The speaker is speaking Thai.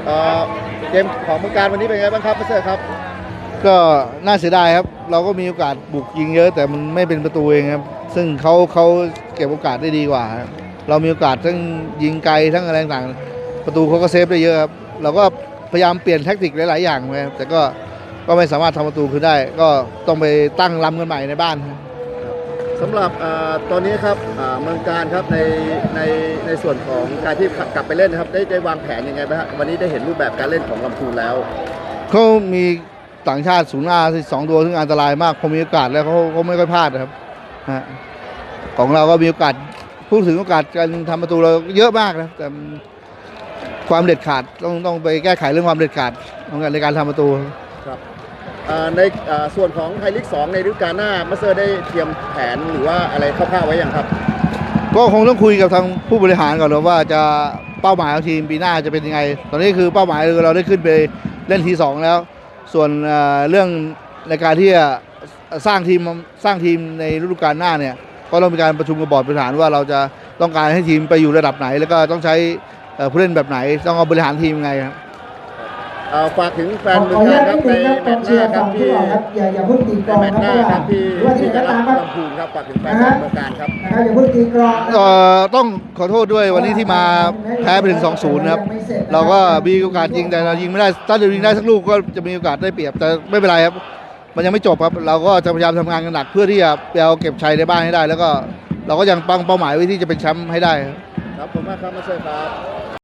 เกมของเมืองการวันนี้เป็นไงบ้างครับมาสเตอร์ครับก็น่าเสียดายครับเราก็มีโอกาสบุกยิงเยอะแต่มันไม่เป็นประตูเองครับซึ่งเขาเก็บโอกาสได้ดีกว่าครับเรามีโอกาสทั้งยิงไกลทั้งอะไรต่างๆประตูเขาก็เซฟได้เยอะครับเราก็พยายามเปลี่ยนแทคติกหลายๆอย่างไปครับแต่ก็ไม่สามารถทำประตูขึ้นได้ก็ต้องไปตั้งลำกันใหม่ในบ้านครับสำหรับตอนนี้ครับเมืองการครับในส่วนของการที่กลับไปเล่นนะครับได้วางแผนยังไงบ้างครับวันนี้ได้เห็นรูปแบบการเล่นของลำพูนแล้วเขามีต่างชาติศูนย์หน้า2 ตัวซึ่งอันตรายมากพอมีโอกาสแล้วเขาไม่ค่อยพลาดนะครับของเราก็มีโอกาสพูดถึงโอกาสการทำประตูเราเยอะมากนะแต่ความเด็ดขาดต้องไปแก้ไขเรื่องความเด็ดขาดในการทำประตูครับในส่วนของไทยลีก2ในฤดูกาลหน้ามาสเตอร์ได้เตรียมแผนหรือว่าอะไรคร่าวๆไว้อย่างครับก็คงต้องคุยกับทางผู้บริหารก่อนว่าจะเป้าหมายของทีมปีหน้าจะเป็นยังไงตอนนี้คือเป้าหมายเราได้ขึ้นไปเล่นที2แล้วส่วนเรื่องในการที่จะสร้างทีมในฤดูกาลหน้าเนี่ยก็ต้องมีการประชุมกับบอร์ดบริหารว่าเราจะต้องการให้ทีมไปอยู่ระดับไหนแล้วก็ต้องใช้ผู้เล่นแบบไหนต้องเอาบริหารทีมไงครับฝากถึงแฟนเมืองการครับในแมตช์หน้าครับที่อย่าเพิ่งตีกรองแมตช์หน้าครับที่จะรับลำพูนครับฝากถึงแฟนเมืองการครับอย่าเพิ่งตีกรองต้องขอโทษด้วยวันนี้ที่มาแพ้ไปถึง 2-0 นะครับเราก็มีโอกาสยิงแต่เรายิงไม่ได้ถ้าเรายิงได้สักลูกก็จะมีโอกาสได้เปรียบแต่ไม่เป็นไรครับมันยังไม่จบครับเราก็จะพยายามทำงานกันหนักเพื่อที่จะเอาเก็บชัยในบ้านให้ได้แล้วก็เราก็ยังตั้งเป้าหมายไว้ที่จะเป็นแชมป์ให้ได้ครับผมมากครับมาเชิญครับ